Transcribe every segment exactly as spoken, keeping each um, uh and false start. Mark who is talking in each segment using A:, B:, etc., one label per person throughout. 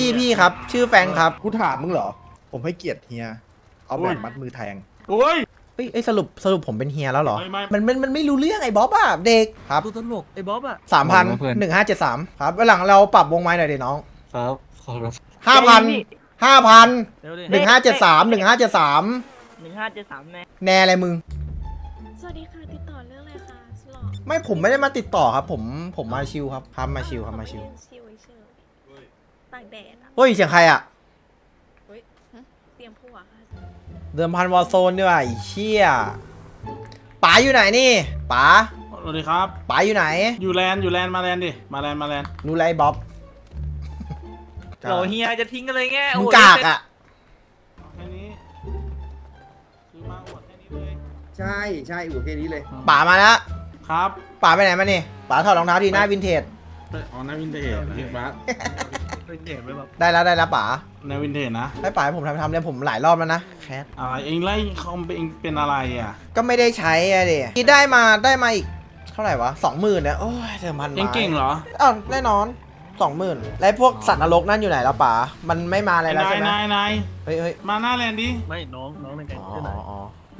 A: พี่พี่ครับ ชื่อแฟรงค์ครับ
B: กูถามมึงเหรอ ผมให้เกียรติเฮีย เอาแบบมัดมือแทง
C: โอ้ย
A: เอ้ยเอ้ยสรุปสรุปผมเป็นเฮียแล้วเหรอ
C: ไม่ไม่
A: มันมันมันไม่รู้เรื่องไอ้บ๊อบอะเด็กครับ
D: ตัวตลกไอ้บ๊อบอะ
A: สามพันหนึ่งห้าเจ็ดสามครับวันหลังเราปรับวงไม้หน่อยดิน้อง
E: ครับขอรับ
A: ห้าพันห้าพัน
D: เร็วดิ
A: หนึ่งห้าเจ็ดสามหนึ่งห้าเจ็ดสาม
F: หนึ่งห้าเจ็ดสามแน่
A: แน่อะไรมึง
G: สวัสดีค่ะ ติดต่อเรื่องอะไรคะสลอ
A: ไม่ผมไม่ได้มาติดต่อครับ ผมผมมาชิลครับครับมาชิลครับมาชิล
G: ชิวเฉยตากแดดอ่ะ
A: เฮ้ยเสียงใครอะ
G: เตรียมผัวค่ะ
A: เดิมพันวอลโซนด้วยไอ้เชี่ยป๋าอยู่ไหนนี่ป๋า
C: สวัสดีครับ
A: ป๋าอยู่ไหน
C: อยู่แลนด์อยู่แลนด์มาแลนด์ดิ มาแลนด์มาแลนด์
A: รู้ไรบ๊อบ
F: โหลเฮียจะทิ้งกันเลยแง่
A: มึงกากอะ
C: แค่นี้คือมาอวดแค่นี้เลย
B: ใช่ใช่อู๋แค่นี้เลย
A: ป๋ามาแล้ว
C: ครับ
A: ป๋าไปไหนมานี่ป๋าถอดรองเท้าทีหน้าวินเทจ
C: อ๋อนาวินเทจพี่บัส
D: เป็นเด็กไหมบ๊อบ
A: ได้แล้วได้แล้วป๋า
C: นาวินเทจนะ
A: ให้ป๋าให้ผมทำทำเลยผมหลายรอบแล้วนะแคท
C: อะไรเองไล่คอมเองเป็นอะไรอ่ะ
A: ก็ไม่ได้ใช้อะดิที่ได้มาได้มาอีกเท่าไหร่วะสองหมื่นเนี่ยโอ้ยเดิมพัน
C: เองเก่งเหรอ
A: อ้าวแน่นอนสองหมื่นแล้วพวกสัตว์นรกนั่นอยู่ไหนแล้วป๋ามันไม่มาอะไร
C: ไอ้
A: แล้ว
C: นา
A: ใช่
C: ย
A: ไหม
C: นายนาย
A: เฮ้ยเฮ้ย
C: มาหน้าแลนด์ดิ
D: ไม่น้องน้องในแก๊ง
A: อ๋อ
D: ชื่อไหน
A: อ๋อน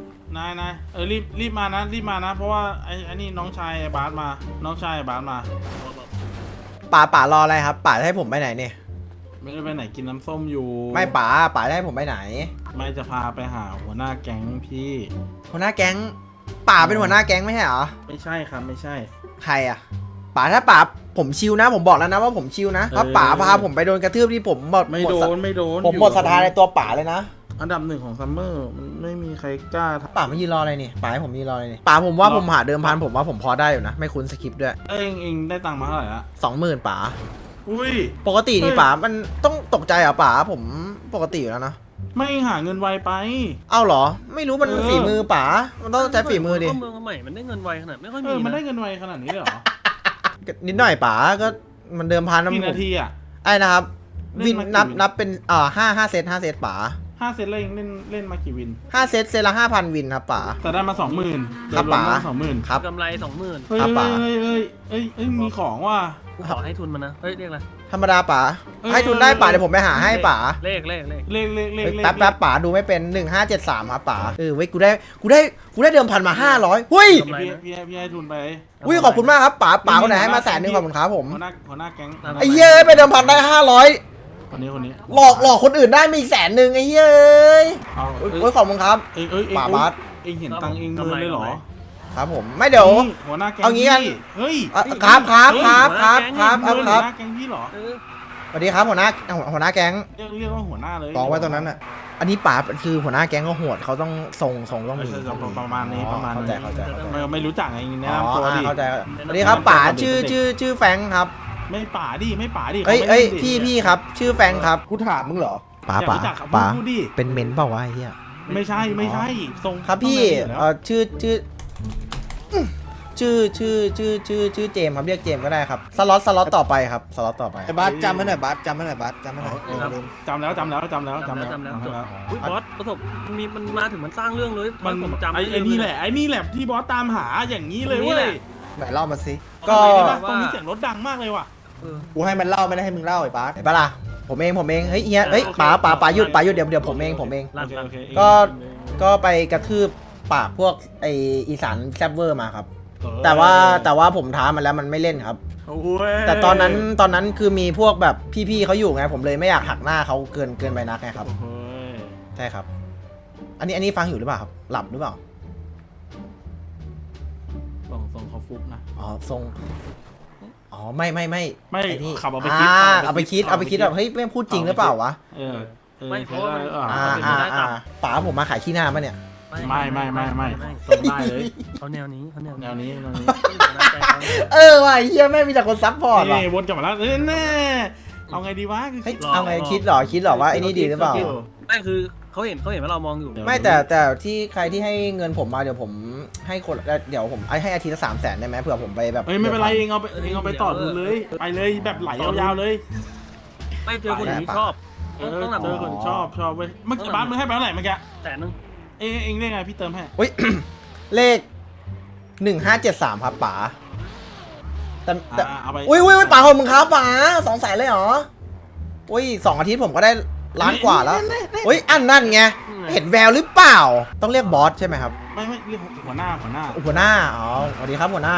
C: ายนายเออรีบรีบมานะรีบมานะ เพราะว่าไอ้ไอ้นี่น้องชายไอ้บาสมา น้องชายไอ้บาสมา
A: ป๋าป๋ารออะไรครับป๋าจะให้ผมไปไหนเนี่ย
C: ไม่ได้ไปไหนกินน้ำส้มอยู่
A: ไม่ป๋าป๋าจะให้ผมไปไหน
C: ไม่จะพาไปหาหัวหน้าแก๊งพี่
A: หัวหน้าแก๊งป๋าเป็นหัวหน้าแก๊งไม่ใช่เหรอ
C: ไม่ใช่ครับไม่ใช่
A: ใครอะป๋าถ้าป๋าผมชิวนะ ผมบอกแล้วนะว่าผมชิวนะถ้าป๋าพาผมไปโดนกระทืบที่ผมหมด
C: ไม่
A: หม
C: โด
A: ศรัท
C: นไม่โดน
A: ผมหมดศรัทธาในตัวป๋าเลยนะ
C: อันดับหนึ่งของซัมเมอร์มันไม่มีใครกล้าท
A: ป๋าไม่ยืนรออะไรนี่ป๋าให้ผมยืนรออะไรนี่ป๋าผมว่า
C: รอ
A: ผมหาเดิมพันผมว่าผมพอได้อยู่นะ ไม่คุ้นสคริปต์ด้วย
C: ำเองเองได้ตังค์มาเท่าไหร่ละ
A: สองหมื่นป๋า
C: อุ้ย
A: ปกตินี่
C: เฮ้ย
A: ป๋ามันต้องตกใจเหรอป๋าผมปกติอยู่แล้วนะ
C: ไม่หาเงินไวไป
A: เอ้าเหรอ ไม่รู้มัน
C: เออ
A: ฝีมือป๋ามันต้องใช้ฝีมือดิ
D: เข้าเมืองมาใหม่มันได้เงินไวขนาดไม่ค่อย
C: เอ
D: มี
C: อมันได้
D: นะ
C: เงินไวขนาดนี้เลยเหรอ
A: นิดหน่อยป๋าก็มันเดิมพันนะ
C: กี่
A: ผม
C: นาทีอ่ะ
A: ไอ้นะครับ
C: เล่น
A: วิน
C: มากี่
A: นับ
C: วิน
A: นับเป็นอ่าห้าห้าเซตห้าเซตป๋า
C: ห้าเซตแล้วเองเล่นเล่นมากี่วิน
A: ห้าเซตเซตละห้าพันวินครับป๋า
C: แต่ได้มาสองหมื่น
A: ครับป๋า
C: สองหมื่น
A: ครับ
D: กำไรสองหมื่น
C: เฮ้ย
A: ครับป๋า
C: เฮ้ยเฮ้ยเฮ้ยเฮ้ยมีของว่ะ
D: กูขอให้ทุนมันนะเฮ้ยเรียกอะไร
A: ธรรมดาป๋า
C: เออ
A: ให้ทุนได้ป๋าเดี๋ยวผมไปหาให้ป๋า
D: เลขเลขเลข
C: เลขเลขเลข
A: เฮ้ย
C: เลข
A: แป๊บแป๊บป๋าดูไม่เป็นหนึ่งห้าเจ็ดสามครับป๋าเออเว้ยกูได้กูได้กูได้เดิมพันมาห้าร้อยหุ้ย
C: พี่พี่ให้พี่ให้ทุนไป
A: อุ้ยขอบคุณมากครับป๋าป๋าคนไหนให้มาแสนหนึงขอบคุณครับผม
C: หัวหน้าหัวหน้าแก๊ง
A: ไอ้เย้ยไปเดิมพันได้ห้าร้อย
C: คนนี้คนนี้
A: หลอกหลอกคนอื่นได้มีอีกแสนหนึ่งไอ้เย้ย
C: เอา
A: โอ้ย
C: เอ้ย
A: โอ้ยขอบคุณครับ
C: เองเอ้ยเอง
A: ป๋าบาส
C: เองเห็นตังค์เองเงินเลยเหรอ
A: ครับผมไม่เดี๋ยว
C: นี่หัวหน้าแก๊ง
A: เอางี้กัน
C: พี่เฮ้ย
A: อ่ะครับครับครับครับครับค
C: เงิ
A: รับ
C: น
A: ครับ
C: หัวหน้าแก๊งพี่เหรอ
D: เออ
A: สวัสดีครับหัวหน้าหัวหน้าแก๊ง
C: เรียกเรียกว่าหัวหน้าเลย
B: กองไว้ตรงนั้นอ่ะ
A: อันนี้ป๋าคือหัวหน้าแก๊งก็โหดเขาต้องทรงทรงต้องมี
C: ใช่ใช่ประมาณนี้ประมาณ
A: เข้า
C: นี้
A: ใจเข้าใจเข้าใจ
C: ไม่ไม่รู้จักไงแนะ
A: อ๋อน
C: ำตัวดิ
A: เข้าใจสวัสดีครับป๋าชื่อชื่อชื่อแฟรงค์ครับ
C: ไม่ป่าดิไม่ป่าดิ
A: เอ้ย
C: ขาไม่
A: เอ้ย
C: ล่นดิ
A: พี่พี่ครับ ชื่อแฟรงค์ครับ
B: กูถามมึงเหรอ
A: ป๋า
C: อยาก
A: ป๋า
C: รู้จักครับ
A: ป๋า
C: พูดดิ
A: เป็นเมนเปล่าวะไอ้เหี้ย
C: ไม่ใช่ไม่ใช่ทรง
A: ครับพี่
C: ต้อง
A: เออชื่อชื่ออื้อชื่อชื่อชื่อชื่อชื่อเจมส์ครับเรียกเจมส์ก็ได้ครับสล็อตสล็อตต่อไปครับสล็อตต่อไป
B: ไอ้บาสจำไว้หน่อยบาสจำไว้หน่อยบาสจำไว้หน่อย
C: เออจำแล้วจำแล้วจำแล้วจำ
D: จำ
C: แล้
D: แล้ว วจำแล้วจบ
C: จำแล้ว
D: อุ้ยบอสประสบมันมีมันมาถึงมันสร้างเรื่องเลย
C: มัน
D: ผมจำ
C: ไอ้ไอ้นี่แหละไอ้นี่แหละที่บอสตามหาอย่างนี้เลย
D: นี่
C: เว้
D: แห
C: ย
D: ละ
B: ไหนเล่ามาสิ
A: ก็
C: ทำไมได้ปะตรงนี้เสียงรถดังมากเลยว่ะ
D: เออ
B: กูให้มันเล่าไม่ได้ให้มึงเล่าไอ้บาส
A: ไหนปะล่ะผมเองผมเองเฮ้ยเฮียเฮ้ย
D: โอเค
A: ป๋าป๋าป๋าหยุดป๋าหยุดเดี๋ยวเดี๋ยวผมเองผมเอง
C: โอเคโอเค
A: ก็ ก็ไปกระทืบปากพวกไออีสานแซบเวอร์มาครับ
C: เออ
A: แต่ว่าแต่ว่าผมท้ามันแล้วมันไม่เล่นครับ
C: โอ้ย
A: แต่ตอนนั้นตอนนั้นคือมีพวกแบบพี่ๆเขาอยู่ไงผมเลยไม่อยากหักหน้าเขาเกินเกินไปนักไงครับ
C: โอ้ย
A: ใช่ครับ อันนี้อันนี้ฟังอยู่หรือเปล่าครับหลับหรือเปล่า
C: ส่งส่งเขาฟุกนะ
A: อ๋อทรงอ๋อไม่ไม่ไม่
C: ไม่
A: อ้นี่
C: ขับเอาไปคิด
A: อ่า
C: ขั
A: เอา
C: บ
A: ไป
C: เอาไปคิ
A: คิด
C: ด
A: เอาไปคิดแบบเฮ้ยไม่พูดจริงหรือเปล่าวะ
C: เออเออ
D: ไม่เพราะว่ามัน
C: เออ
A: อ่า
C: เอ
A: อ่า
C: อ
A: อ่าป๋าผมมาขายขี้หน้าปะเนี่ย
C: ไม่ไม่ไม่ไม่ส่งได้เลย
D: เขาแนวนี้เขาแนว
C: แนวนี้แนวนี้
A: เออว่ะเฮียแม่งมีแต่คนซัพพอร์ตว่ะ
C: นี่วนกลับมาแล้วเอ้ยแน่เอาไงดีวะคือ
A: เฮ้ย
C: คิด
A: เอาไงคิดเหรอคิดเหรอว่าไอ้นี่ดีหรือเปล่า
D: ไม่คือเขาเห็นเขาเห็นว่าเรามองอยู่
A: ไม่แต่แต่ที่ใครที่ให้เงินผมมาเดี๋ยวผมให้คนเดี๋ยวผมให้อาทิตย์ละสามแสนได้ไหมเผื่อผมไปแบบ
C: เอ้ยไม่เป็นไรเองเอาไปเองเอาไปต่อทุนเลยไปเลยแบบไหลยาวๆเลย
D: ไม่เจอคนอย่างนี้ชอบ
C: เออ
D: ต้องหนับ
C: เจอคนชอบชอบเว้ยเมื่อกี้บ้านมึงให้ไปเท่าไหร่เมื่อกี้
D: แต่นึง
C: เองเองเรียกไงพี่เติมให้
A: อุ้ย เลขหนึ่งห้าเจ็ดสามครับป๋าแต่แต่
C: อ่าเอาไป
A: อุ้ยอุ้ยอุ้ยป๋าขอบคุณครับป๋าสองแสนเลยเหรอโอ้ยสองอาทิตย์ผมก็ได้ล้านกว่าแล้วโอ้ยอันนั่นไงเห็นแววหรือเปล่าต้องเรียกบอสใช่ไหมครับ
C: ไม่ไม่เรียกหัวหน้าหัวหน้า
A: หัวหน้าอ๋อสวัสดีครับหัวหน้า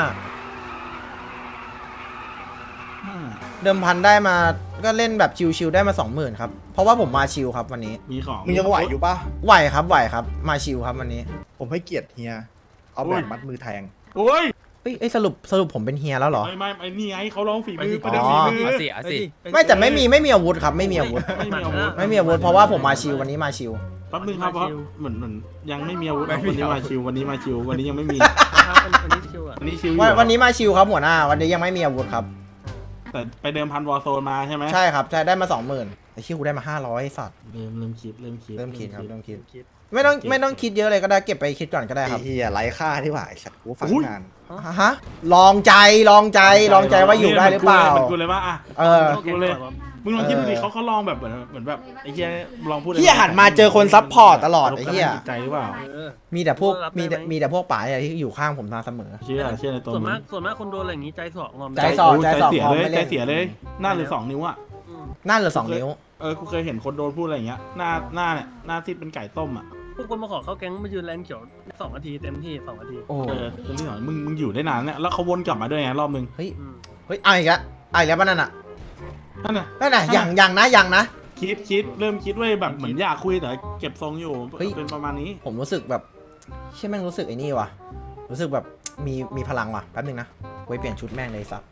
C: อ่า
A: เดิมพันได้มาก็เล่นแบบชิวๆได้มาสองหมื่นครับเพราะว่าผมมาชิวครับวันนี้
C: มีของ
B: มึงยังไหวอยู่ปะ
A: ไหวครับไหวครับมาชิวครับวันนี้
B: ผมให้เกียรติเฮีย เอาแบบมัดมือแทง
C: โอ้ย
A: เอ้ยเอ้ยสรุปสรุปผมเป็นเฮียแล้วเหรอ
C: ไม่ไม่ไอ้นี่ไงเขาลองฝีมือ
D: ไป
C: ประ
D: ดิ
C: เดิมฝีมือ
F: เอาสิเอาสิ
A: ไม่แต่ไม่มีไม่มีอาวุธครับไม่มีอาวุธ
C: ไม่มีอาวุธ
A: ไม่มีอาวุธเพราะว่าผมมาชิววันนี้มาชิว
C: แป๊บนึงครับเพราะเหมือนเหมือนยังไม่มีอาวุธวันนี้มาชิววันนี้มาชิววันนี้ยังไม่มี
D: ครับวันวันนี้ชิวอ่ะ
C: วันนี้ชิวอยู่
A: วันวันนี้มาชิวครับหัวหน้าวันนี้ยังไม่มีอาวุธครับ
C: แต่ไปเดิมพันวอร์โซนมาใช่ไหม
A: ใช่ครับใช่ได้มาสองหมื่นไอ้ชิวกูได้มาห้าร้อยสัตว์
C: เริ่มเริ่มคิดเริ่มคิด
A: เริ่มคิดครับเริ่มคิด
D: คิด
A: ไม่ต้องไม่ต้องคิดเยอะเลยก็ได้เก็บไปคิดก่อนก็ได้
B: ไอ้
A: ครับ
B: เฮียไร้ค่าที่หว่าไอ้สัตว์กูฟังงาน
A: ฮะลองใจลองใจลองใจว่าอยู่ได้หรือเปล่า
C: เหมือนกูเลยว่าอ่ะ
A: เออ
D: เข้าแก๊งก่อนวะ
C: มึงลองคิดดูดิ
A: เออ
C: เขาเขาลองแบบเหมือนเหมือนแบบไอ้เหี้ยลองพูด
A: เฮียหันมาเจอคนซัพพอร์ตตลอดไอ้เฮีย
C: จิตใจหรือเปล่า
D: เออ
A: มีแต่พวก
D: รับได้
A: มีแต่
D: ไหม
A: มีแต่พวกป๋าเนี่ยที่อยู่ข้างผมมาเสมอ
C: เชื่อเชื่อในตัว
D: ส่วน
C: มึ
D: มาง กส่วนมากคนโดนอะไรอย่างนี้ใจสองงอม
A: ใจสอง
C: ใจเสีย
A: พอ
C: เลย
A: ไม่เล่น
C: ใจเสียเลยหน้าหรือสองนิ้วอ่ะ
D: อืม
A: นั่นเหรือสองนิ้ว
C: เออกูเคยเห็นคนโดนพูดอะไรอย่างเงี้ยหน้าหน้าเนี่ยหน้าซีดเป็นไก่ต้มอ่ะ
D: พวกคนมาขอเข้าแก๊งมายืนแลนเขียวสองนาทีเต็มที่สองนาที
A: โอ้
C: เออคือที่หน่อยมึงมึงอยู่ได้นานเนี่ยแล้วเขาวนกลับมาด้วยไงรอบนึง
A: เฮ้ย
D: อืม
A: เฮ้ยเอาอีกแล้วเอาอีกแล้วป่ะนั่นน่ะ
C: นั่นน่ะ
A: นั่นน่ะอย่างอย่างนะอย่างนะ
C: คิดคิดเริ่มคิดไว้แบบเหมือนอยากคุยแต่เก็บทรงอยู่
A: เฮ้ย
C: เป็นประมาณนี้
A: ผมรู้สึกแบบเชื่อแม่งรู้สึกไอ้นี่ว่ะรู้สึกแบบมีมีพลังว่ะแป๊บนึงนะไว้เปลี่ยนชุดแม่งเลยสับ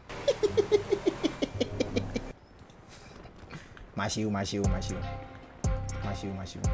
A: มาชิวมาชิวมาชิวมาชิวมาชิว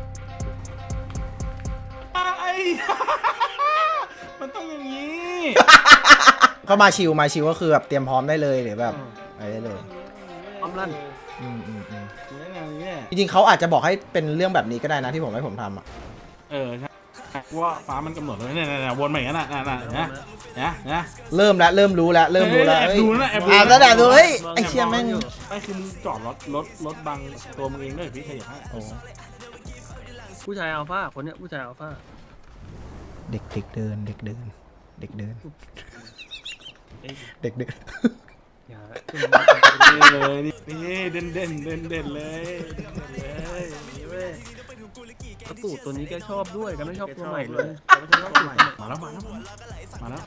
C: ไอ้ มันต้องอย่างนี้
A: ก็มาชิวมาชิวก็คือแบบเตรียมพร้อมได้เลยหรือแบบอะไรได้เลย
D: พร้อมลั่น
A: อืมอืมอืม
C: อย่างนี้
A: จริงๆเขาอาจจะบอกให้เป็นเรื่องแบบนี้ก็ได้นะที่ผมให้ผมทำอ่ะ
C: เออใช่ว่าฟ้ามันกำหนดเลยเนี่ยเนี่ยวนใหม่กันน่ะน่ะน่ะนะนะนะ
A: เริ่มแล้วเริ่มรู้แล้วเริ่มรู้แล้ว
C: แอบ
A: เฮ้ย
C: ดูนะแอบดู
A: อ่า
C: นะ
A: แล้วแอบดูเฮ้ยไอ้เชี่ยแม่ง
C: ไม่คือมึงจอดรถรถรถบังตัวมึงเองด้วยพี่ขยับให้
A: โอ้
D: ผู้ชายอัลฟาคนเนี้ยผู้ชายอัลฟา
A: เด็กเด็กเดินเด็กเดินเด็กเดิน
D: เอ้ย
A: เด็กเดิน
D: อย่า
C: นี่เลยนี่นี่เด่นเด่นเด่นเด่นเลยเด่นเลยนี่เว้ย
D: กระตูดตัวนี้แกชอบด้วยแกันไม่ชอบตัวใหม่เลย
C: ไม่ใช่ตัวใหม่มาแล้วมาแล้วมาแล้ว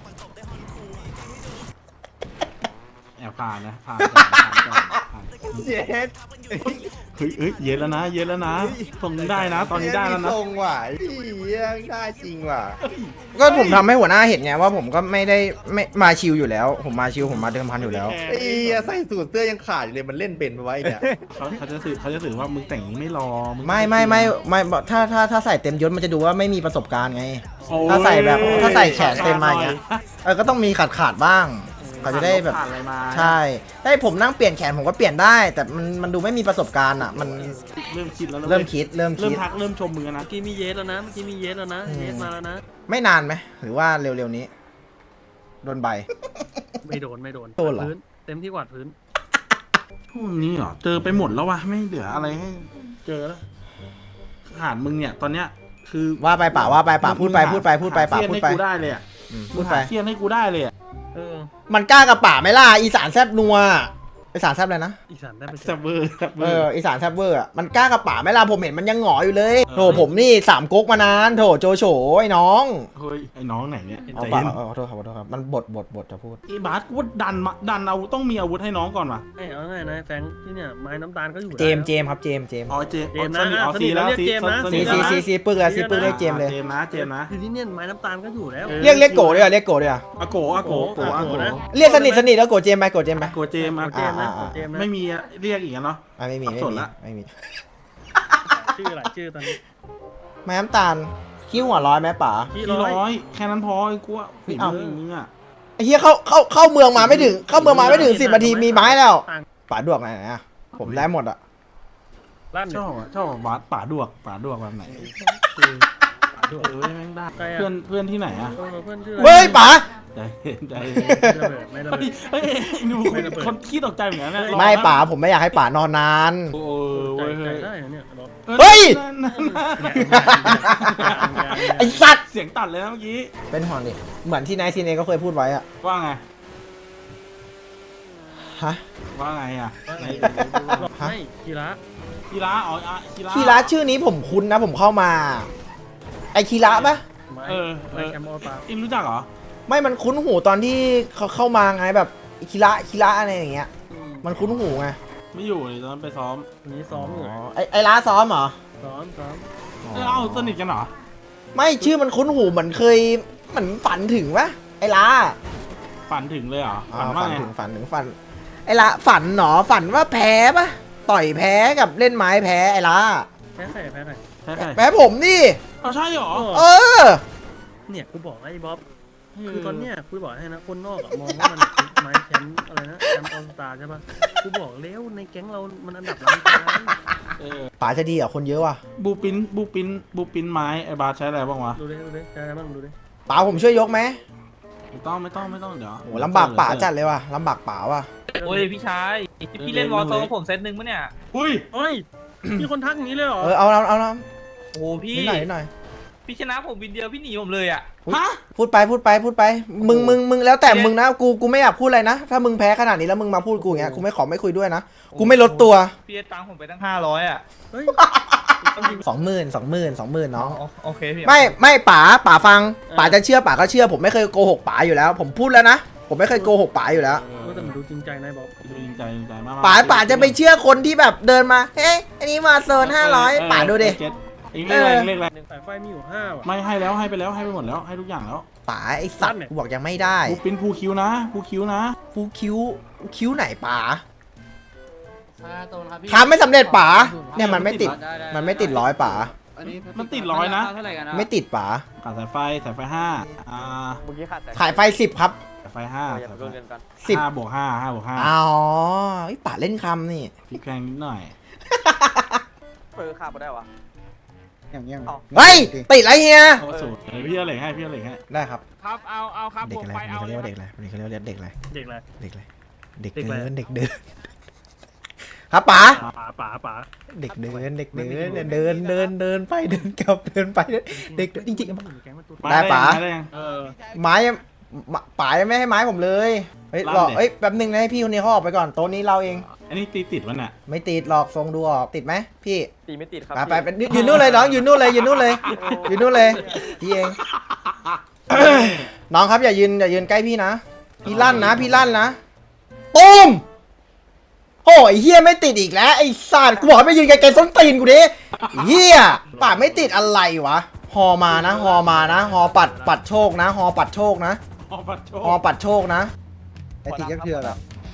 C: แอบผ่านนะผ่านก่อนผ่านก่อนผ่าน
B: เย็ด
C: เฮ้ยเฮ้ยเย็นแล้วนะเย็นแล้วนะส่งได้นะ ตอนนี้ได้แล้วนะ
B: ทรงว่ะไอ้เฮียได้จริงว่ะ
A: ก็ผมทำให้หัวหน้าเห็นไงว่าผมก็ไม่ได้ไม่มาชิวอยู่แล้ว ผมมาชิวผมมาเดิมพันอยู่แล้ว
B: ไอ้เฮียใส่สูทเสื้อยังขาดอยู่เลยมันเล่นเป็นไปไว้เนี่ย
C: เขาเขาจะสื่อเขาจะสื่อว่ามึงแต่งนี้ไม่รอมึง
A: ไม่ไม่ไม่ไม่ถ้าถ้าถ้าใส่เต็มยศมันจะดูว่าไม่มีประสบการณ์ไง
C: โอ้ย
A: ถ้าใส่แบบถ้าใส่แขนเต็มมาอย่างเงี้ยเออก็ต้องมีขาดขาดๆบ้างเขาจะได้แบบ
C: ผ่านอะไรมา
A: ใช่ได้ผมนั่งเปลี่ยนแขนผมก็เปลี่ยนได้ แต่มันมันดูไม่มีประสบการณ์อ่ะมัน
C: เริ่มคิดแล้วนะ
A: เริ่มคิดเริ่ม
C: เริ่ม
A: คิด
C: ทักเริ่มชมมือนะ
D: เมื่อกี้มีเยสแล้วนะเมื่อกี้มีเยสแล้วนะ
A: อืม
D: เยสมาแล้วนะ
A: ไม่นานไหมหรือว่าเร็วๆนี้โดนใบ
D: ไม่โดนไม่โดน
A: โดนเหรอ
D: พื้นเต็มที่กวาดพื้น
C: พวกนี้เหรอเจอไปหมดแล้ววะไม่เหลืออะไรให้เจอแล้วขาดมึงเนี่ยตอนเนี้ยคือ
A: ว่าไปป่าว่าไปป่าพูดไปพูดไปพูดไปป่า
C: หเสี้ยน
A: พูดไป
C: ให้กูได้เลยอ่ะ
A: อืม
C: มึ
A: พู
C: ง
A: ดไป
C: หาเสี้ยนให้กูได้เลยอ่ะ
D: เออ
A: มันกล้ากับป่าไหมล่ะอีสานแซบนัวอีสานแซบเลยนะ
D: อีสานได้ไป
C: แซบเวอร์แซบเว
A: เอ
C: อ
A: อ
C: ร์
A: อีสานแซบเวอร์อ่ะมันกล้ากับป่าไหมล่ะผมเห็นมันยังหงออยู่เลย
C: เออ
A: โถผมนี่สามก๊กมานานโถโจโฉไอ้น้อง
C: เฮ้ยไอ้น้องไหนเนี่ย
A: เอา
C: ใจ
A: ป่า
C: เย็น
A: เออขอโทษครับขอโทษครับมันบทบทบทจะพูด
C: ไอ้บาสกูว่าดันมาดันเอาต้องมีอาวุธให้น้องก่อนว่ะ
D: ไอ้เอาง่ายนะแฟรงค์ที่เนี่ยไม้น้ำตาลก็อยู่
A: เจมส์
D: ได้
A: เจมส์ครับเจมส์เจมส์
C: อ๋อเจม
D: เจมส์นะ
C: สนิทอ๋อ
D: สนิ
C: ซี
D: ท
C: แล้ว
D: เรียก
C: ซี
D: เจมส์นะ
C: ส
A: ซี
C: นิท
A: ซี
C: แล้ว
A: ซีซีปึกเลยซีปึกเลยเจมส์เลย
C: เจมส์นะเจมส์นะ
D: คือที่เนี่ยไม้น้ำตาลก็อยู่แล้ว
C: เออ
A: เรียกเรียกโกด้วยอ่ะเรียกโกด้วยอ่ะ
C: อาโกอาโกโกอาโก
D: นะ
A: เรียกสนิทสนิทแล้วโกเจมส์ไปโกเจมส์ไป
C: โกเจมส์อา
D: เจ
C: โก
D: มส์นะ
A: อ่า
D: เจมส์นะ
C: ไม่มีอะเรียกอีกอะเนาะ
A: อ่ะไม่มีไม่
C: สับสน
A: มี
C: ละ
A: ไม่มี
D: ชื่ออะไรชื่อตอนนี้
A: แม่น้ำตาลคิ้วหัวร้อยไหมป๋า
D: พี่
C: พี่
D: ร้อย
C: ร้อยแค่นั้นพอไอ้กูว่าฝี
A: เอ้า
C: มือมึงอะ
A: ไอ้เหี้ยเข้าเข้าเข้าเมืองมาไม่ถึงเข้าเมืองมาไม่ถึงสิบนาทีมีไม้แล้ว
D: ต่าง
A: ป๋าดวกไหนอ่ะผมได้หมดอ่ะ
D: ลั่น
C: ช
D: เนี่ย
C: อบอะชอบอะบาสป่าดวกป่าดวกแบบไหน
D: ดวก
C: เออแม่งได้
D: ใครอะ
C: เพื่อนเพื่อนที่ไหนอะ
D: เออเพื่อนชื่ออะไร
A: เฮ้ยป๋า
C: ใจเย็นใจเย็น
D: ไม่ระเบิดไม่ระเบิด
C: เฮ้ยเฮ้ยดู
D: ไม่ระเบิด
C: คนขี้ตกใจเหมือนกันนะ
A: ไม่ป๋าผมไม่อยากให้ป๋านอนนาน
C: โอ้
D: ใจ
C: ย
D: ใจ
C: เฮ้ย
D: ได้เหรอเนี่ยรถ
A: เฮ้ย
C: นั่นนั่นนั่น
A: ไอ้สัตว์
C: เสียงตัดเลยนะเมื่อกี้
A: เป็นห่วงดิเหมือนที่นายซีเนก็เคยพูดไว้อะ
C: ว่าไง
A: หฮะ
C: ว่าไงอ่ะ
D: ว่าไง
A: ฮะ
D: ไม่กีฬา
C: คีระอ๋ออ่ะคีระ
A: คีระชื่อนี้ผมคุ้นนะผมเข้ามา ไอคีระปะ
D: ไม้
C: เออเอ
D: ไม้
C: อ
D: แคมป์ออตา
C: อิงรู้จักเหรอ
A: ไม่มันคุ้นหูตอนที่เขาเข้ามาไงแบบคีระคีระอะไรอย่างเงี้ย มันคุ้นหูไง
C: ไม่อยู่เลยตอนนั้นไปซ้อม
D: วันนี้ซ้อมอยู่
A: อ๋อไอไอร้านซ้อมเหรอ
D: ซ้อมซ้อม
C: เออเอ้าสนิทกันเหรอ
A: ไม่ชื่อมันคุ้นหูเหมือนเคยเหมือนฝันถึงปะไอร้า
C: ฝันถึงเลยเหรอ
A: อ่า
C: ฝันว่า
A: ฝัน
C: ไง
A: ถึงฝันถึงฝัน ไอละฝันหนอฝันว่าแพ้ปะต่อยแพ้กับเล่นไม้แพ้ไอละ
D: แพ้ใครแพ้ใคร
C: ใช่ใช่
A: แพ้ผมนี่
C: เอาใช่เหรอ
A: เออ
D: เนี่ยกูบอกไอ้บ๊อบคือตอนเนี้ยกูบอกให้นะคนนอกอะมองว่ามันไม้แคมป์อะไรนะแคมป์ออตาใช่ปะกูบอกแล้วในแก๊งเรามันอันดับล้านกลาง
C: เออ
A: ป๋าจะดีอ่ะคนเยอะว่ะ
C: บูปินบูปินบูปินไม้ไอ้บาสใช้อะไรบ้างวะ
D: ดูดิดูดิใช่ไหมบ้างดูดิ
A: ป๋าผมช่วยยกไหม
C: ไม่ต้องไม่ต้องไม่ต้องเดี๋ยว
A: โหลำบากป๋าจัดเลยว่ะลำบากป๋าว่ะ
F: โอ้ยพี่ชายพี่เล่นวอลโซกับผมเซตหนึ่งปะเนี่ย
C: อุ้ย
D: เฮ้ยมีคนทักอย่างนี้เลยเหรอ
A: เออเอาเอาเอาเอา
F: โอ้พี่
A: นิดหน่อยนิดหน่อย
F: พี่ชนะผมวินเดียวพี่หนีผมเลยอ่ะ
C: ฮะ
A: พูดไปพูดไปพูดไป มึงมึงมึงแล้วแต่มึงนะกูกูไม่อยากพูดอะไรนะ ถ้ามึงแพ้ขนาดนี้แล้วมึงมาพูดกูอย่างเงี้ยกูไม่ขอไม่คุยด้วยนะ กูไม่ลดตัว
F: พี่ตังผมไปตั้งห้าร้อยอ่ะ
D: เฮ้ย
A: สองหมื่นสองหมื่นสองหมื่นน้อง
F: โอเคพี่
A: ไม่ไม่ป๋าป๋าฟังป๋าจะเชื่อป๋าก็เชื่อ ผมไม่เคยโกหกป๋าอยู่แล้ว ผมพูดแล้วนะ ผมไม่เคยโกหกป๋าอยู่แล้ว
D: ว่าแต่มันดูจริงใจนายบ๊อบ
C: ดูจริงใจจริงใจมาก
A: ป๋าป๋าจะไปเชื่อคนที่แบบเดินมา เฮ้ยอันนี้มาโซนห้าร้อยป๋าดูดิ
C: เองเรียกอะไรเรียกอะไร
D: สายไฟมีอยู่ห้าว่ะ
C: ไม่ให้แล้วให้ไปแล้วให้ไปหมดแล้วให้ทุกอย่างแล้ว
A: ป๋าไอสัตว์กูบอกยังไม่ได้
C: บูปินภูคิวนะภูคิวนะ
A: ฟูคิ้วคิ้วไหนป๋า
E: ตรงครับพี่
A: ทำไม่สำเร็จป๋าเนี่ยมันไม่ติด มันไม่ติดร้อยป๋า
E: อันนี้
C: มันติดร้อยนะ
E: เท่าไหร่กันนะ
A: ไม่ติดป๋า
C: ขาดสายไฟสายไฟห้าอ่า
F: เมื่อกี้ขาดแต่
A: ขายไฟสิบครับ
C: สายไฟห้า
F: อย่าไปโดนเงินกัน
A: สิบ
C: ห้าบวกห้าห้าบวกห้า
A: อ๋อไอยป๋าเล่นคำนี่
C: พลิกแพงนิดหน่อย
F: เปิดขาดไปได้วะ
B: อย่างเงี้ย
A: เฮ้ยติดอะไรเฮีย
C: โอ้สูตรพี่เอาเหล็กให้พี่เอาเหล็กให้
A: ได้ครับ
F: ครับเอาเอาครับ
A: เด็ก
F: บวก
A: อะไร
F: ไปเอา
A: มันเขาเรียกว่าเด็กอะไรมันเขาเรียกว่าเด็กอะไร
D: เด็กอะไร
A: เด็กอะไรเด็ก
D: เด็กอะไร
A: เดินเด็กเดินครับป๋า
D: ป๋าป๋าป๋า
A: เด็กเดินเด็กเดินเนี่ยเดินเดินเดินไปเดินกลับเดินไปเดินเด็กจริง
D: มันอยู่ในแก๊งมันตัว
A: ได้ป๋า
C: ได้ยัง
D: เออ
A: ๆไม้ยังป๋ายังไม่ให้ไม้ผมเลยเฮ้ย
C: ลั่น
A: รอ
C: ดิ
A: เอ้ยแป๊บนึงนะให้พี่คนนี้เขาออกไปก่อนโต๊ะนี้เราเอง
C: อันนี้ตีติดมันอ่ะ
A: ไม่ติดหรอกทรงดูออกติดไหมพี่
F: ตีไม่ติดครับ
A: ไปไปไปยืนนู่นเลยน้องยืนนู่นเลยยืนนู่นเลยยืนนู่นเลยพี่เอง น้องครับอย่ายืนอย่ายืนใกล้พี่นะพี่ลั่นนะพี่ลั่นนะตูมโอ้ยเฮียไม่ติดอีกแล้วไอ้สัตว์กูบอกให้ไม่ยืนไกลๆส้นตีนกูดิเฮียปากไม่ติดอะไรวะฮอมานะฮอมานะฮอปัดปัดโชคนะฮอปัดโชคนะ
C: โอ้ปัดโช
A: ฮอปัดโชคนะ
B: ไอ้ติดยักษ์เถื่อนอะ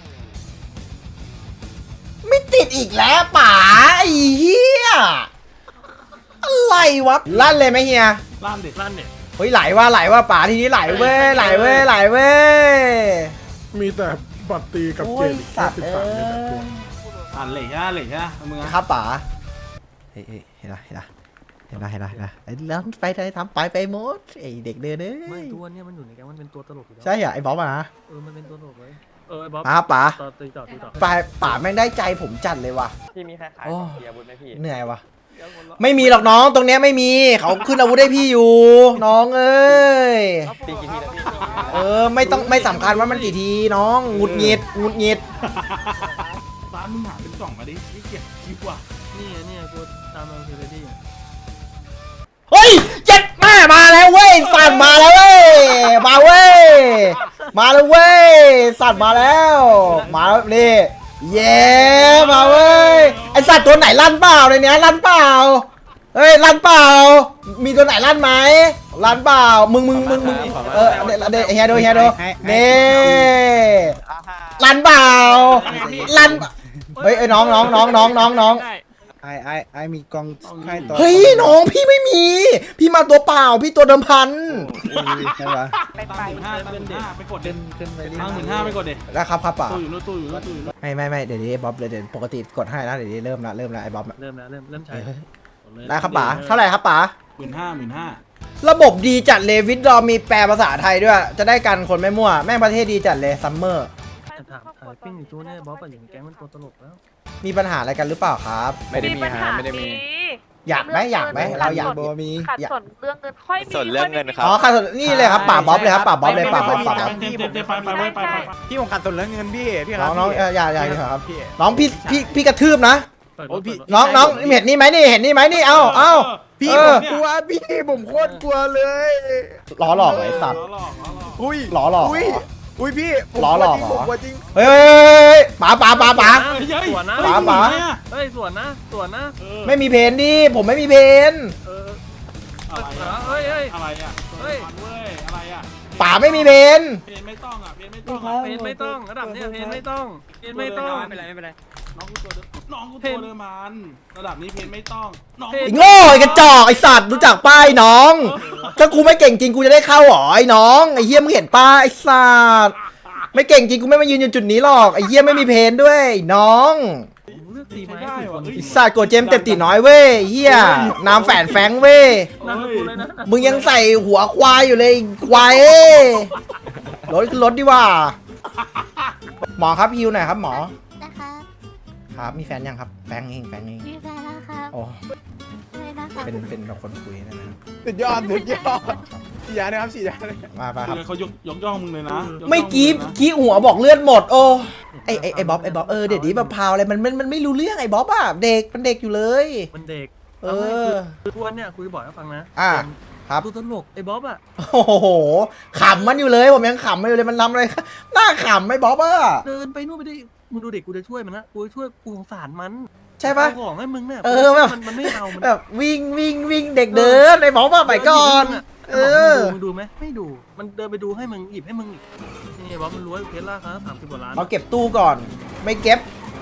A: ไม่ติดอีกแล้วป๋าไอ้เฮียอะไรวะลั่นเลยไหมเฮีย
C: ล่ามดิ
D: ลั่นเนี่ย
A: เฮ้ยไหลว่าไหลว่าป๋าทีนี้ไหลเว้ยไหลเว้ยไหลเว้ย
H: มีแต่บัตรตีกับ
A: โอ้
H: เก
A: ย
H: มอีก
A: สั
H: แค่
A: ตว์
H: สิบ
A: เอ้
H: สามเนี่ยนะ
A: ย
C: อ่านเหล็กใช่เหล็กใช่มึงอะ
A: ครับป๋าเฮ้ยเฮ้ยเห็นละเห็นละเห็นละเห็นละเห็นละไอ้แล้วไปไปทำไปไปหมดไอ้เด็กเดินเอ้
D: ไม่
A: ย
D: ตัวเนี้ยมันอยู่ในแก๊งมันเป็นตัวตลกอยู่แล้ว
A: ใช่เหรอไอ้บ๊อบอะนะ
D: เออมันเป็นตัวตลกเลยเออไอ้บ๊อบ
A: มาครับป๋า
D: ต่อตีต่อตีต่อ
A: ป๋าป๋าแม่งได้ใจผมจัดเลยว่ะ
F: พี่มีใครขาย
A: โอ้
F: เสียบุญไหมพี่
A: เหนื่อยว่ะไม่มีหรอกน้องตรงเนี้ยไม่มีเขาขึ้นอาวุธให้พี่อยู่ น้องเอ้ย
F: ตีกี่ทีแล้วพี่
A: เออไม่ต้องไม่สำคัญว่ามันกี่ทีน้องหงุดหงิดหงุดหงิด
C: ร้านมึงหาเป็นกล่องมาดินี่เกียคิวอ่ะ
D: นี่ไงเนี่ยกูตามมาคือเรดี้
A: เฮ้ยเจ็ดแม่มาแล้วเว้ยสัตว์มาแล้วเว้ยมาเว้ยมาแล้วเว้ยสัตว์มาแล้วมาแล้วนี่เย้มาเว้ยไอสัตว์ตัวไหนลั่นเปล่าในเนี้ยลั่นเปล่าเฮ้ยลั่นเปล่ามีตัวไหนลั่นไหมลั่นเปล่ามึงมึงมึงมึงเออเดเดเฮียโดเฮียโดนี่ลั่นเปล่าลั่นเฮ้ยไอ้น้องน้องน้องน้องน้องน้อง
B: ไอ้ไอ้ไอ้มีกองค่ายต่อ
A: เฮ้ยน้องพี่ไม่มี พี่มาตัวเปล่าพี่ตัวเดิมพัน
B: ใช่ปะ
C: ตั้งหมื่นห้าตั้งหมื่นห้าไปกดเด็
B: ขึ้นขึ้นไปเรื่
C: ตั้งหมื่นห้า
B: อย
C: ไปกดเด็
A: แล้วครับครับป่า
C: ตู้อยู่นู้นตู้อยู่นู้นตู้อยู่นู้น
A: ไม่ไม่ไม่เดี๋ยวนี้บ๊อบเลยเดี๋ยวปกติกดให้นะเดี๋ยวนี้เริ่มละเริ่มละไอ้บ๊อบอะ
D: เริ่มแล้วเริ่มเริ่มใช้
A: เออได้ครับป๋าเท่าไหร่ครับป๋า
C: หมื่นห้าหมื่นห้า
A: ระบบดีจัดเลยวิดดอมีแปลภาษาไทยด้วย จะได้กันคนไม่มั่วแม่งประเทศดีจัดเลยซัมเมอร์
D: จะถามถ่ายปิ้งอยู่ตัวเนี่ยบ๊อบอะอยู่ในแก๊งมันตัวตลกแล้ว
A: มีปัญหาอะไรกันหรือเปล่าครับ
G: ไม่ได้มีฮะไม่ได้มี
A: อยากไหมอยากไหมเราอยาก
B: โบมี
G: ขาดส่วนเรื่องเงินค่อยมี
I: ส่วนเรื่องเงินครับ
A: อ๋อค่ะนี่เลยครับป่าบ๊อบเลยครับป่าบ๊อบเลยป่าบ๊อบป่าบ๊อบ
C: เต็มเต็มเต็มไปไปไปไปไป
B: พี่ผมขาดส่วนเรื่องเงินพี่พี่ค
A: น้
B: รั
A: อบ งน้อง
B: พี่
A: เอ่ออย่าอย่าอย่าครับ
B: พี่
A: น้องพี่พี่พี่กระทืบนะ
D: เปิด
B: โอ้ยพี่
D: เปิด
A: น้องน้องเห็นนี่ไหมนี่เห็นนี่ไหมนี่เอ้าเอ้า
B: พี่
A: เอ
B: ผ
A: อ
B: มกลัวพี่ผมโคตรกลัวเลย
A: ล้อหลอกเหรอไอ้สัตว์
C: หลอกหลอกหลอก
B: อุ้ย
A: ล้อหลอกเหรอ
B: อุ้ยอุ้ยพี่ผม
A: ล้อหลอก
B: จริง
A: เหรอ
B: ผมกลัวจริง
A: เฮ้ยเฮ้ยเฮ้ยเฮ้ยป๋าป๋าป๋าป๋า
D: สวนนะ
A: ป๋าป๋า
D: เฮ้ยสวนนะสวนนะ
A: ไม่มีเพนดิผมไม่มีเพน
D: เออ
C: อะไร
D: เอ
C: อะ
D: อเฮ้ยเฮ้ย
C: อะไรอะ
D: เฮ้ย
C: เว้ยอะไรอะ
A: ป๋าไม่มีเพน
C: เพนไม่ต้องอะเพนไม่ต้องอะ
D: เพนไม่ต้องระดับเนี้ยเพนไม่ต้องเพนไม่ต้อง
F: ไม่เป็นไรไม่เป็นไร
C: น้องกูตัวเดิมน้องกูตัวเดิมมันระดับนี้เพนไม่ต้องน้อง
A: ไอ้โง่ไอ้กระจอกไอ้สัตว์รู้จักป้ายน้อง ถ้ากูไม่เก่งจริงกูจะได้เข้าเหรอไอ้น้องไอ้เฮียมึงเห็นป้าไอ้สัตว์ไม่เก่งจริงกูไม่มายืนอยู่จุดนี้หรอกไอ้เฮียไม่มีเพนด้วยไอ้น้อง
D: เลือกตีไม้
C: ได้
D: ถูก
C: วะ
D: คน
C: เฮ้ย
A: ไอ้สัตว์โกรธเจมส์เต็มตีน้อยเว้ยเฮียน้ำแฝนแฟงเว้ย
D: น่าจะกูเลยนะ
A: มึงยังใส่หัวควายอยู่เลยควายเอ้ยรถขึ้นรถดีกว่า หมอครับฮิวหน่อยครับหมอ
G: นะคะ
A: ครับมีแฟนยังครับแฟนเองแฟนเอง
G: มีแฟนแล้วครับ
A: โอ้
G: เลยนะคะ
A: เป็นเป็นแบบคนคุยได้ไหมครับ
B: สุดยอดสุดยอดสี่ยานะครับสี่ยาเลย
A: มาไปครับ
C: เขายกยกย่องมึงเลยนะยย่อง
A: ไม่กี้
C: งเลยนะ
A: กี้หัวบอกเลือดหมดโอ้ไอไอไอบ๊อบไอบ๊อบเออเด็กนี้มะพร้าวอะไรมันมันมันไม่รู้เรื่องไอบ๊อบอ่ะเด็กมันเด็กอยู่เลย
D: มันเด็ก
A: เออ
D: คือทวนเนี่ยคุยบ่อยให้ฟังนะ
A: อ่ะครับ
D: ดูตลกไอ้บ๊อบอ่ะ
A: โอ้โหขำมันอยู่เลยผมยังขำมันอยู่เลยมันทำอะไรหน้าขำไอบ๊อบอ่ะ
D: เดินไปนู่นไปดิมึงดูเด็กกูจะช่วยมันนะกูจะช่วยกูสงสารมัน
A: ใช่ปะ
D: เอาของให้มึงเนี่ย
A: เออแบบ
D: มันมันไม่เอามัน
A: แบบวิ่งวิ่งวิ่งเด็กเดินไอบ๊อบอ่ะไปก่อน เออ
D: มึงดูไหมไม่ดูมันเดินไปดูให้มึงหยิบให้มึงอีกนี่บ๊อบมันรวยเพชรล่าครับสามสิบกว่าล้าน
A: เอาเก็บตู้ก่อน ไม่เก็บ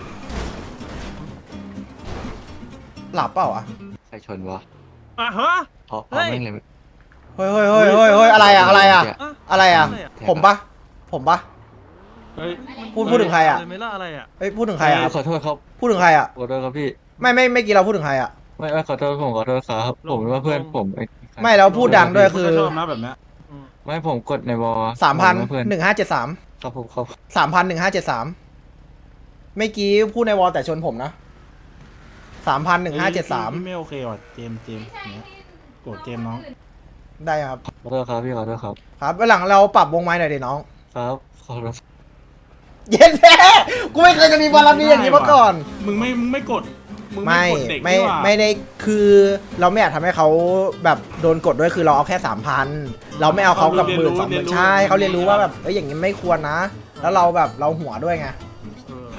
A: หลับเปล่าอ่ะ
I: ใครชนวะ
D: อ่ะฮะ
I: เพราะเพ
D: เฮ้
I: ราะ
D: ย
I: แม่งเลย
A: เฮ้ยเฮ้ยเฮ้ยเฮ้ยเฮ้ยอะไรอ่ะอะไรอ่ะ
D: อ่ะ
A: อะไรอ่ะ
D: อะไรอ่ะ
A: ผมปะผมปะ
C: เฮ้ย
A: พูดพูดถึงใครอ่ะ
D: เไม่ล่าอะไรอ่ะ
A: เฮ้ยพูดถึงใครอ่ะ
I: ขอโทษครับ
A: พูดถึงใครอ่ะ
I: ขอโทษครับพี่
A: ไม่ไม่ไม่อกี่เราพูดถึงใครอ่ะ
I: ไม่ไม่ขอโทษผมขอโทษครับผมนึกว่าเพื่อนผมอ้
A: ไม่เราพูดดังด้วยคือ
C: ชอบนะแบบเนี้ย
D: อืม
I: ไม่ผมกดในวอล
A: สามพัน
I: ผกว่เพื่อน
A: หนึ่งห้าเจ็ดสาม
I: ครับผมครับ
A: สามพันหนึ่งห้าเจ็ดสามเมื่อกี้พูดในวอลแต่ชนผมนะสามพันหนึ่งห้าเจ็ดสาม
C: พี่ไม่โอเคว่ะเจมส์เจมส์เนี่ยโกรธเจมส์น้อง
A: ได้ครับ
I: ขอโทษครับพี่ขอโทษครับ
A: ครับวันหลังเราปรับวงไม้หน่อยดิน้อง
I: ครับขอโทษ
A: เย็นแท้กูไม่เคยจะมีบารมีอย่างนี้มาก่อน
C: มึงไม่มึงไม่กดมึง
A: ไม่
C: กดเด็ก
A: ไม่
C: นี่หว่า
A: ไม่ได้คือเราไม่อยากทำให้เขาแบบโดนกดด้วยคือเราเอาแค่สามพันเราไม่เอาเขากับหมื่นสองหมื่นใช่เขาเรียนรู้ว่าแบบเอ้ยอย่างนี้ไม่ควรนะ แล้วเราแบบเราหัวด้วยไง
D: เออ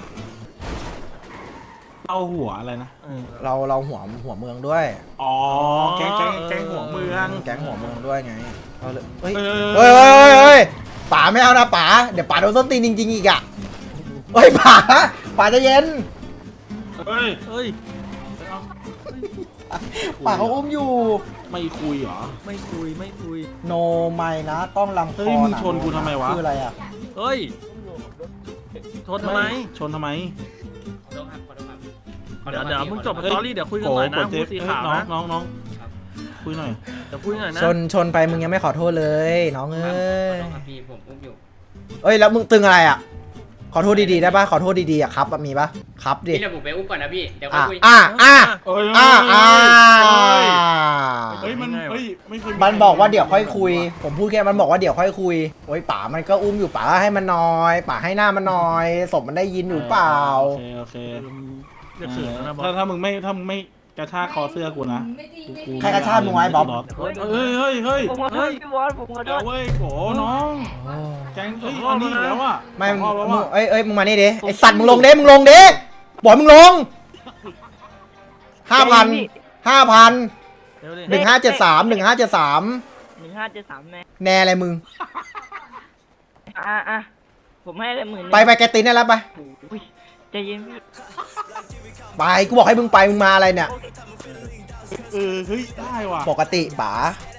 C: เอาหัวอะไรนะ
D: เออ
A: เราเราหัวหัวเมืองด้วย
C: อ๋อแก๊งแก๊งแก๊งหัวเมือง
A: แก๊งหัวเมืองด้วยไงเอาเลยเฮ้ย
C: เอ
A: เฮ้ยเฮ้ยเฮ้ยเฮ้ยป๋าไม่เอานะป๋าเดี๋ยวป๋าโดนส้นตีนจริงๆอีกอ่ะเฮ้ยป๋าป๋าใจะเย็น
C: เฮ้ย
D: เฮ้ย
A: ป๋าเขาอุ้มอยู่
C: ไม่คุยเหรอ
D: ไม่คุยไม่คุย
A: โนไม่นะ ต้องลำค
C: เฮ้
A: อย
C: มึง
A: นะ
C: ชนกูทำไมวะ
A: คืออะไรอ่ะ
D: เฮ้ยชนทำไม
C: ชนทำไม
E: ขอโทษครับขอโทษครับ
D: เดี๋ยวเดี๋ยวมึงจบ
C: เฮ้ย
D: สตอรี่เดี๋ยวคุยกันหน่อยนะ
C: โกรธเจ
D: พู
C: ม
D: ด
C: ส์
D: สี
C: เอ้ย
D: ขาว
C: น้อง
D: นะ
C: น้องน้องคุยหน่อย
D: เดี๋ยวคุยหน่อยนะ
A: ชนชนไปมึงยังไม่ขอโทษเลยน้องเอ้
E: ขอย โทษครับพี่ผมอุ้มอยู่
A: เอ้ยแล้วมึงตึงอะไรอ่ะ ขอโทษดีๆได้ปะขอโทษดีๆอ่ะครับอะมีปะครับดิ
E: พี่เดี๋ยวผมไปอุ้มก่อนนะพี่เดี๋ยวค่อ
A: อ่ะ
E: ยคุย
A: อ่ะอ่ะ
C: เอ้ย
A: อ่ะอ่ะ
C: เฮ้ยมันเฮ้ยไม่เคย
A: มันบอกว่าเดี๋ยวค่อยคุย ผมพูดแค่มันบอกว่าเดี๋ยวค่อยคุยโอ้ยป๋ามันก็อุ้มอยู่ป๋าให้มันน้อยป๋าให้หน้ามันน้อยศพมันได้ยินอยู่เปล่า
C: โอเคโอเค
D: เออมึงเรียกเสือแล้วนะบอ
C: ถ้า
D: ส
C: ถ้ามึงไม่ถ้ามึงไม่กระชากคอเสื้อกูนะกู
A: ใครกระชากมึงไว้บ๊อบ
D: เฮ้ย
C: เฮ้ยเฮ้ยเฮ้ย
G: ผมขอโทษพี่บอสผมขอโท
C: เดี๋ยว
G: ษ
C: เว้ยโกน้องแกงเฮ้ยอันนี้อีกแล้วอ่ะ
A: ไม่
C: สองรอบแล้ว
A: มึง
C: อ่ะ
A: เอ้ยเอ้ยมึงมานี่ดิไอสัตว์มึงลงเด้มึงลงเด้บอกมึงลงห้าพันห้าพัน
D: เดี๋ยวดิ
A: หนึ่งห้าเจ็ดสามหนึ่งห้าเจ็ดสาม
G: หนึ่งห้าเจ็ดสามแม่
A: แน่อะไรมึง
G: อ่ะอ่ะผมให้เลยหมื่นหนึ่ง
A: ไปไปแกตินได้แล้วไป
G: อุ้ยใจเย็นพี่
A: ไปกูบอกให้มึงไปมึงมาอะไรเนี่ย
C: เออเฮ้ยได้ว่ะ
A: ปกติป๋า